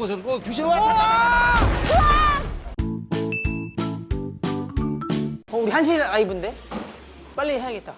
거 저거 귀신 와. 우리 한시 라이브인데? 빨리 해야겠다.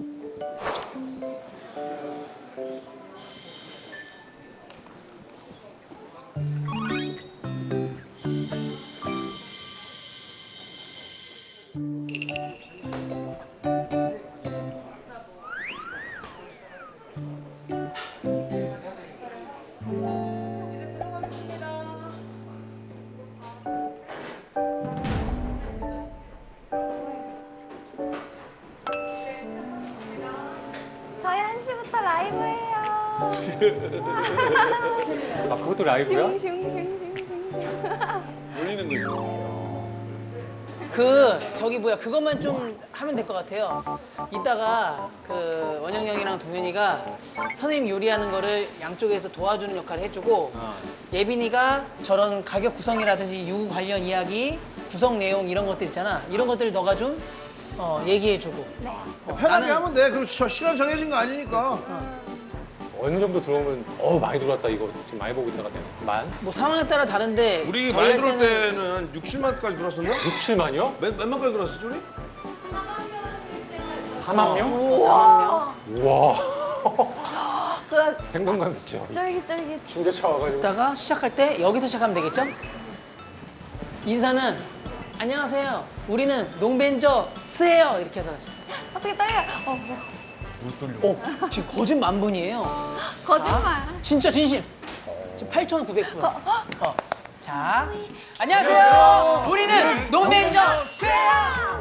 저희 1시부터 라이브해요. 아, 그것도 라이브야? 올리는 거지. 저기 뭐야, 그것만 좀 하면 될 것 같아요. 이따가 그 원영 형이랑 동현이가 선생님 요리하는 거를 양쪽에서 도와주는 역할을 해주고 예빈이가 저런 가격 구성이라든지 유구 관련 이야기, 구성 내용 이런 것들 있잖아. 이런 것들 너가 좀 얘기해주고. 네. 편하게 나는- 하면 돼. 그럼 시간 정해진 거 아니니까. 어느 정도 들어오면 많이 들어왔다 이거 지금 많이 보고 있다가 만? 뭐 상황에 따라 다른데 우리 저희 많이 할 들어올 때는 한 60만까지 들었었나? 6, 7만이요? 몇 만까지 들었었지 우리? 4만 명? 4만 명. 우와. 그 생동감 있죠. 쫄깃쫄깃. 중계차 와가지고. 이따가 시작할 때 여기서 시작하면 되겠죠? 인사는 안녕하세요. 우리는 농벤저 스예요. 이렇게 해서 하죠. 어떻게 떨려? 지금 거짓 만분이에요. 거짓말. 진짜 진심. 지금 8,900분. 자, 안녕하세요. 우리는 농벤저 스예요.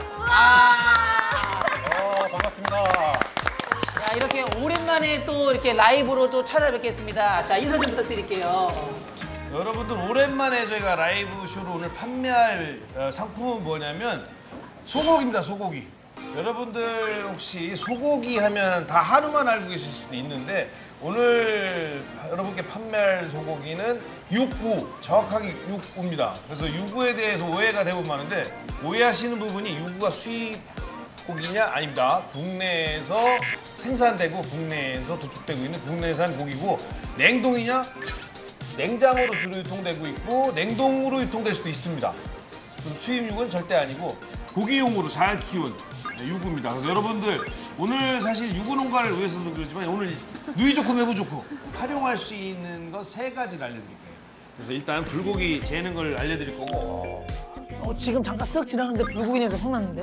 반갑습니다. 자, 이렇게 오랜만에 또 이렇게 라이브로 또 찾아뵙겠습니다. 자, 인사 좀 부탁드릴게요. 여러분들 오랜만에 저희가 라이브 쇼로 오늘 판매할 상품은 뭐냐면 소고기입니다. 소고기. 여러분들 혹시 소고기 하면 다 한우만 알고 계실 수도 있는데 오늘 여러분께 판매할 소고기는 육구, 정확하게 육구입니다. 그래서 육구에 대해서 오해가 대부분 많은데 오해하시는 부분이 육구가 수입 고기냐? 아닙니다. 국내에서 생산되고 국내에서 도축되고 있는 국내산 고기고 냉동이냐? 냉장으로 주로 유통되고 있고 냉동으로 유통될 수도 있습니다. 그럼 수입육은 절대 아니고 고기용으로 잘 키운 유구입니다. 그래서 여러분들 오늘 사실 유구 농가를 위해서도 그렇지만 오늘 누이 좋고 매부 좋고 활용할 수 있는 거 3가지를 알려드릴 거예요. 그래서 일단 불고기 재는 걸 알려드릴 거고 지금 잠깐 쓱 지나가는데 불고기 냄새 확 났는데.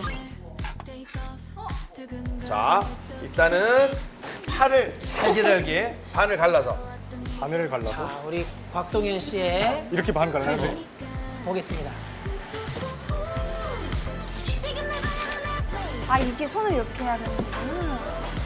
자 일단은 파를 잘게 잘게 반을 갈라서 하늘을 갈라서. 자, 우리 곽동현 씨의 이렇게 반 갈라요? 보겠습니다. 아, 이게 손을 이렇게 해야 되는구나.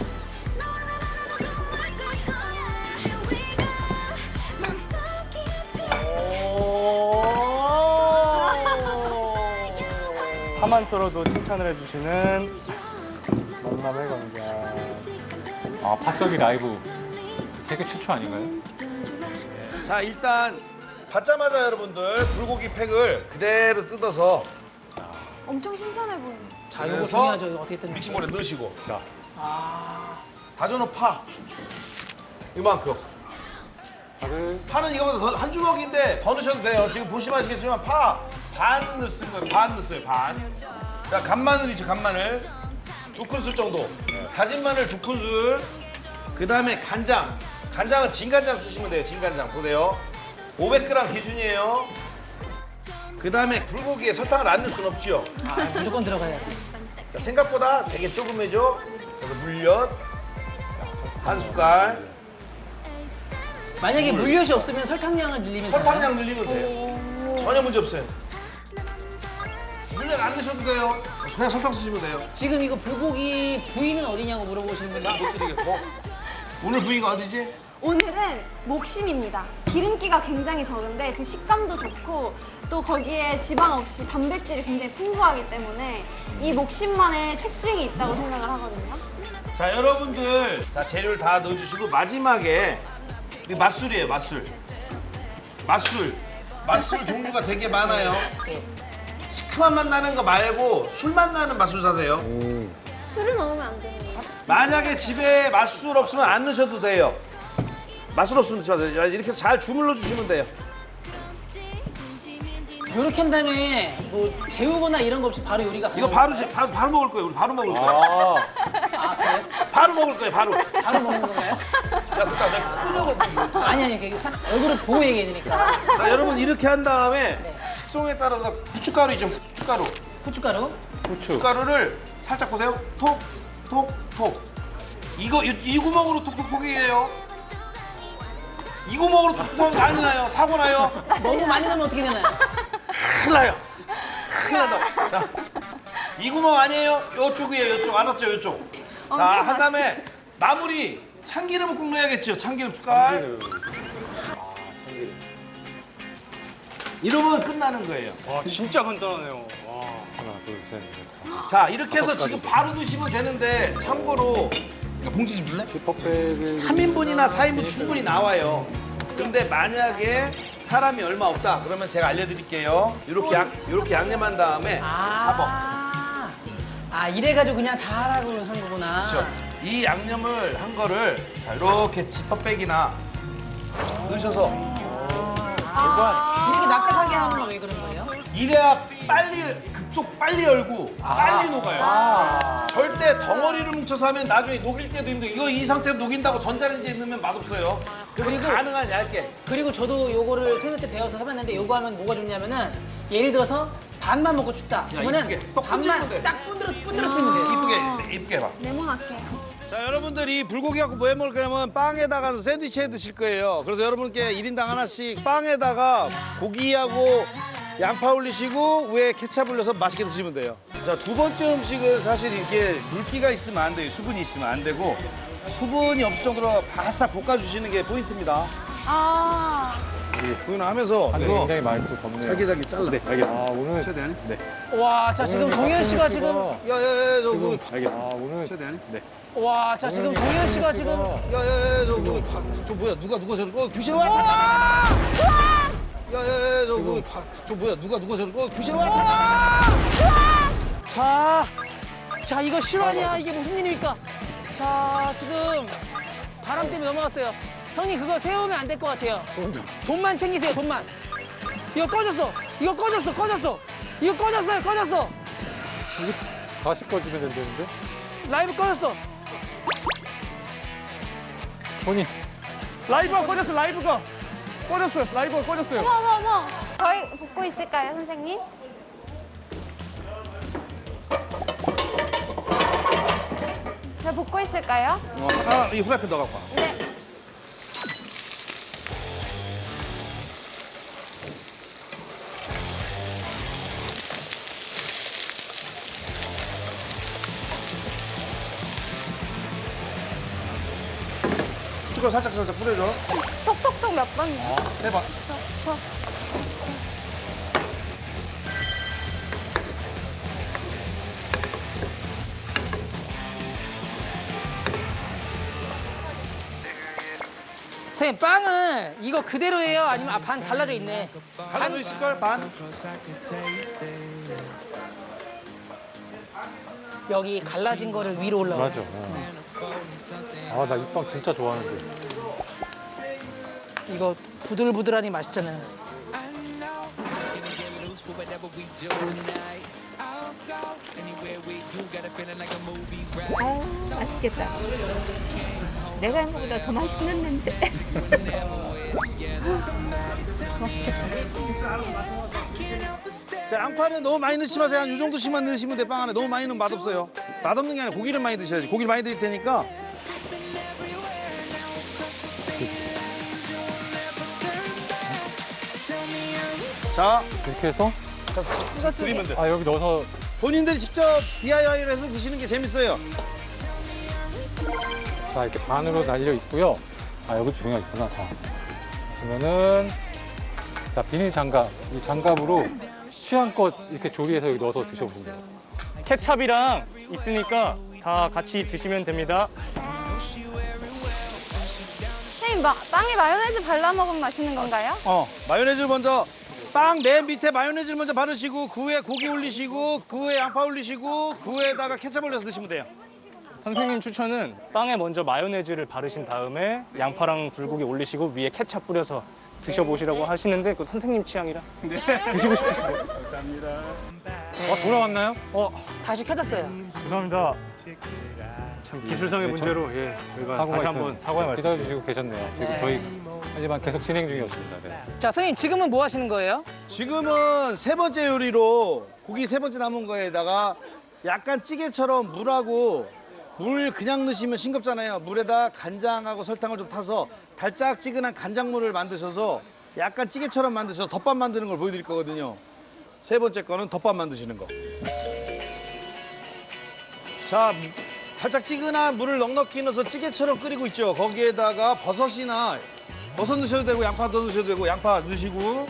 파만 썰어도 칭찬을 해주시는 만남의 광장. 아, 파썰기 라이브 세계 최초 아닌가요? 자 일단 받자마자 여러분들 불고기 팩을 그대로 뜯어서 엄청 신선해 보이네. 자, 이거 그래서 중요하죠. 이거 어떻게 뜯는지. 믹싱볼에 넣으시고 자, 다져놓은 파 이만큼 파는 이거보다 한 주먹인데 더 넣으셔도 돼요. 지금 보시면 아시겠지만 파 반 넣었을 거예요. 반 넣었어요. 반. 자 간마늘 있죠. 간마늘 2큰술 정도. 다진 마늘 2큰술. 그 다음에 간장. 간장은 진간장 쓰시면 돼요. 진간장 보세요. 500g 기준이에요. 그 다음에 불고기에 설탕을 안 넣을 순 없지요. 무조건 들어가야지. 자, 생각보다 되게 조금해죠. 그래서 물엿 한 숟갈. 만약에 물엿이 없으면 설탕량을 늘리면 되나요? 설탕량 늘리면 돼요. 전혀 문제 없어요. 물엿 안 넣으셔도 돼요. 그냥 설탕 쓰시면 돼요. 지금 이거 불고기 부위는 어디냐고 물어보시는 분이 못 드리겠고. 오늘 부위가 어디지? 오늘은 목심입니다. 기름기가 굉장히 적은데 그 식감도 좋고 또 거기에 지방 없이 단백질이 굉장히 풍부하기 때문에 이 목심만의 특징이 있다고 생각을 하거든요. 자 여러분들 자 재료를 다 넣어주시고 마지막에 이 맛술이에요. 맛술. 맛술 종류가 되게 많아요. 시큼한 맛 나는 거 말고 술맛 나는 맛술 사세요. 술을 넣으면 안 되는 거야? 만약에 집에 맛술 없으면 안 넣으셔도 돼요. 맛술 없으면 넣지 마세요. 이렇게 잘 주물러 주시면 돼요. 요렇게 한 다음에 뭐 재우거나 이런 거 없이 바로 요리가 이거 가능해요? 바로 먹을 거예요. 우리 바로 먹을 거예요. 아, 아, 그래요? 바로 먹을 거예요. 바로. 야, 바로 먹는 건가요? 그러니까 내가 끄덕을 보여줘. 아니, 얼굴을 보고 얘기해야 되니까. 자, 여러분 이렇게 한 다음에 네. 식성에 따라서 후춧가루 있죠. 후춧가루. 후춧가루. 후추. 후춧가루를 살짝 보세요. 톡, 톡, 톡. 이거 이 구멍으로 톡톡톡이에요. 이 구멍으로 톡톡 난리 나요. 사고 나요. 너무 많이 넣으면 어떻게 되나요? 큰일 나요. 큰일 난다. 자, 이 구멍 아니에요. 요쪽이에요. 요쪽. 알았죠? 요쪽. 자, 한 다음에 마무리 참기름을 꼭 넣어야겠죠. 참기름 숟갈. 참기름. 참기름. 이러면 끝나는 거예요. 와 진짜 간단하네요. 와. 하나, 둘, 셋, 넷. 자, 이렇게 해서 지금 바로 드시면 되는데 참고로 이거 봉지 좀 줄래? 슈퍼백은 3인분이나 4인분 충분히 나와요. 근데 만약에 사람이 얼마 없다 그러면 제가 알려드릴게요. 이렇게 양념한 다음에 잡아. 이래가지고 그냥 다 하라고 한 거구나. 그렇죠. 이 양념을 한 거를 자, 이렇게 지퍼백이나 넣으셔서 이렇게 납작하게 하는 거 왜 그런 거예요? 이래야 급속 빨리 열고 빨리 녹아요. 절대 덩어리를 뭉쳐서 하면 나중에 녹일 때도 힘들고 이거 이 상태로 녹인다고 전자레인지에 넣으면 맛없어요. 그리고 그리고- 가능한 얇게. 그리고 저도 요거를 선생님 때 배워서 해봤는데 요거 하면 뭐가 좋냐면은 예를 들어서 반만 먹고 싶다. 그러면은 이쁘게 떡 반만 꽂으면 돼. 딱 뿌드러뜨리면 돼요. 이쁘게 해봐. 네모나게. 자, 여러분들이 불고기 갖고 뭐 해 먹을 거냐면 빵에다가 샌드위치 해 드실 거예요. 그래서 여러분께 1인당 하나씩 빵에다가 고기하고 양파 올리시고 위에 케찹 올려서 맛있게 드시면 돼요. 자, 두 번째 음식은 사실 이렇게 물기가 있으면 안 돼요. 수분이 있으면 안 되고 수분이 없을 정도로 바싹 볶아주시는 게 포인트입니다. 아, 구현하면서 하늘 이거 굉장히 많이 또 덥네요. 잘게 잘라. 네, 알겠습니다. 아, 오늘 최대한. 네. 와, 자 지금 동현 씨가 지금 야야야, 저 지금 알겠습니다. 아, 오늘 최대한. 네. 와, 자 지금 동현 씨가 지금 야야야, 저 뭐야? 누가 저를 규제와? 야야야, 저 뭐야? 누가 저를 규제와? 자 이거 실화냐? 이게 무슨 일입니까? 자 지금 바람 때문에 넘어갔어요. 형님 그거 세우면 안 될 것 같아요. 돈만 챙기세요, 돈만. 이거 꺼졌어. 이거 꺼졌어. 이거 꺼졌어. 다시 꺼지면 된다는데? 라이브 꺼졌어. 손이 라이브가 꺼졌어. 라이브가 꺼졌어요. 어머. 저희 볶고 있을까요, 선생님? 저 볶고 있을까요? 이 후라이팬 넣어 갖고 와. 네. 후춧가루 살짝 뿌려줘. 톡톡톡 몇 번? 해봐. 선생님 빵은 이거 그대로예요? 아니면 반 갈라져 있네? 갈라져 있을 걸 반. 여기 갈라진 거를 위로 올라가. 맞아. 아, 나 이 빵 진짜 좋아하는데. 이거 부들부들하니 맛있잖아요. 맛있겠다. 내가 한 것보다 더 맛있는데. 자, 양파는 너무 많이 넣지 마세요. 한 이 정도씩만 넣으시면 돼. 빵 안에 너무 많이 넣으면 맛없어요. 맛없는 게 아니라 고기를 많이 드셔야지. 고기를 많이 드릴 테니까. 자, 이렇게 해서 드리면 돼. 아, 여기 넣어서 본인들이 직접 DIY를 해서 드시는 게 재밌어요. 자, 이렇게 반으로 날려 있고요. 아, 여기도 종이가 있구나. 자, 그러면은 자, 비닐 장갑. 이 장갑으로 취향껏 이렇게 조리해서 여기 넣어서 드셔보세요. 케찹이랑 있으니까 다 같이 드시면 됩니다. 선생님, 빵에 마요네즈 발라 먹으면 맛있는 건가요? 마요네즈를 먼저 빵 맨 밑에 마요네즈를 먼저 바르시고 그 위에 고기 올리시고 그 위에 양파 올리시고 그 위에다가 케첩 올려서 드시면 돼요. 선생님 추천은 빵에 먼저 마요네즈를 바르신 다음에 양파랑 불고기 올리시고 위에 케찹 뿌려서 드셔보시라고 하시는데 그 선생님 취향이라 드시고 싶으시대요. 돌아왔나요? 다시 켜졌어요. 죄송합니다. 참 기술상의 문제로 저희가 사고가 다시 있어요. 한번 사과의 말씀. 기다려주시고 계셨네요. 지금 저희 하지만 계속 진행 중이었습니다. 네. 자, 선생님 지금은 뭐 하시는 거예요? 지금은 세 번째 요리로 고기 세 번째 남은 거에다가 약간 찌개처럼 물 그냥 넣으시면 싱겁잖아요. 물에다 간장하고 설탕을 좀 타서 달짝지근한 간장물을 만드셔서 약간 찌개처럼 만드셔서 덮밥 만드는 걸 보여드릴 거거든요. 세 번째 거는 덮밥 만드시는 거. 자, 달짝지근한 물을 넉넉히 넣어서 찌개처럼 끓이고 있죠. 거기에다가 버섯이나 버섯 넣으셔도 되고 양파 더 넣으셔도 되고 양파 넣으시고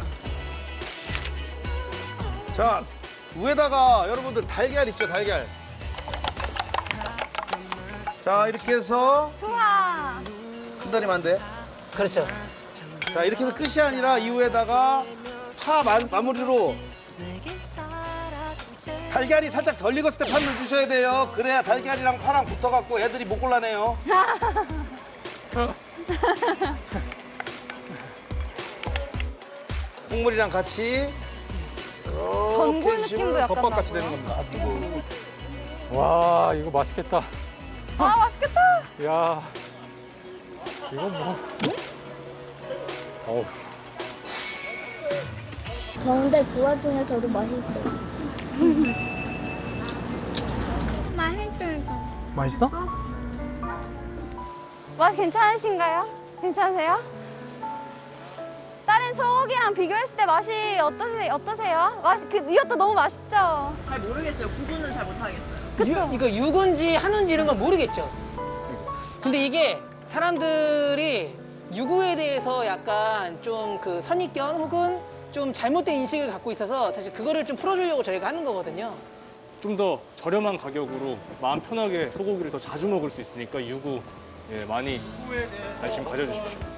자, 위에다가 여러분들 달걀 있죠, 달걀. 자, 이렇게 해서 좋아. 큰 다리면 안 돼. 그렇죠. 자, 이렇게 해서 끝이 아니라 이후에다가 파 마무리로 달걀이 살짝 덜 익었을 때 파 넣어주셔야 돼요. 그래야 달걀이랑 파랑 붙어갖고 애들이 못 골라내요. 국물이랑 같이 전골 느낌도 약간 덮밥같이 나고요. 되는 겁니다. 그리고 와, 이거 맛있겠다. 아, 맛있겠다. 야, 이거 뭐. 어우. 더운데 그 와중에서도 맛있어. 맛있어. 맛 괜찮으신가요? 괜찮으세요? 다른 소고기랑 비교했을 때 맛이 어떠세요? 이것도 너무 맛있죠? 잘 모르겠어요. 구분은 잘 못하겠어요. 이거 육인지 한우인지 이런 건 모르겠죠. 근데 이게 사람들이 유구에 대해서 약간 좀 그 선입견 혹은 좀 잘못된 인식을 갖고 있어서 사실 그거를 좀 풀어주려고 저희가 하는 거거든요. 좀 더 저렴한 가격으로 마음 편하게 소고기를 더 자주 먹을 수 있으니까 유구 많이 관심 가져주십시오.